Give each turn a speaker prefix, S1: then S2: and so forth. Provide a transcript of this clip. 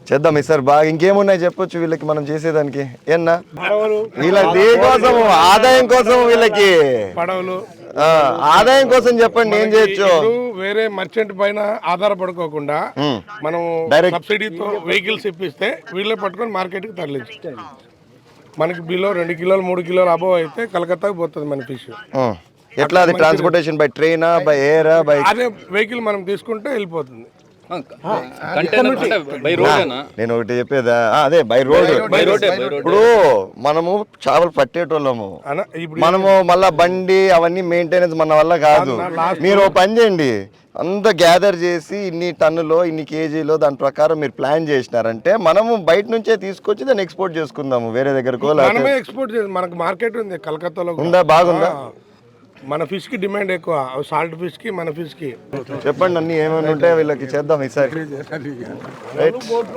S1: చేద్దాం ఈసారి బాగా. ఇంకేమున్నాయి చెప్పొచ్చు వీళ్ళకి మనం చేసేదానికి ఏనా? వీళ్ళకి దేనికోసం, ఆదాయం కోసం, వీళ్ళకి
S2: పడవలు
S1: ఆదాయం కోసం చెప్పండి ఏం చేయొచ్చు.
S2: వేరే మర్చెంట్ పైన ఆధారపడుకోకుండా మనం సబ్సిడీతో వెహికల్స్ ఇప్పిస్తే వీళ్ళే పట్టుకొని మార్కెట్కి తరలించు. మనకి బిలో 2 కిలోలు 3 కిలోలు అబోవ్ అయితే కలకత్తాకి పోతుంది మన ఫిష్.
S1: ఎట్లా అది ట్రాన్స్పోర్టేషన్ బై ట్రైనా, బై ఎయిరా, బై?
S2: అదే వెహికల్ మనం తీసుకుంటే వెళ్ళిపోతుంది.
S1: నేను ఒకటి చెప్పేదా, అదే బై రోడ్. ఇప్పుడు మనము చేపలు పట్టేటోళ్ళము, మనము మళ్ళా బండి అవన్నీ మెయింటెనెన్స్ మన వల్ల కాదు. మీరు ఓ పని చేయండి, అంతా గ్యాదర్ చేసి ఇన్ని టన్నులో ఇన్ని కేజీలో దాని ప్రకారం మీరు ప్లాన్ చేసినారంటే మనము బయట నుంచే తీసుకొచ్చి దాన్ని ఎక్స్పోర్ట్ చేసుకుందాము వేరే దగ్గరకు.
S2: మనమే ఎక్స్పోర్ట్ చేసి మనకు మార్కెట్ ఉంది కలకత్తాలో.
S1: ఉందా? బాగుందా?
S2: మన ఫిష్ కి డిమాండ్ ఎక్కువ, సాల్ట్ ఫిష్ కి మన ఫిష్ కి.
S1: చెప్పండి అన్ని ఏమైనా ఉంటే వీళ్ళకి చేద్దాం ఈసారి.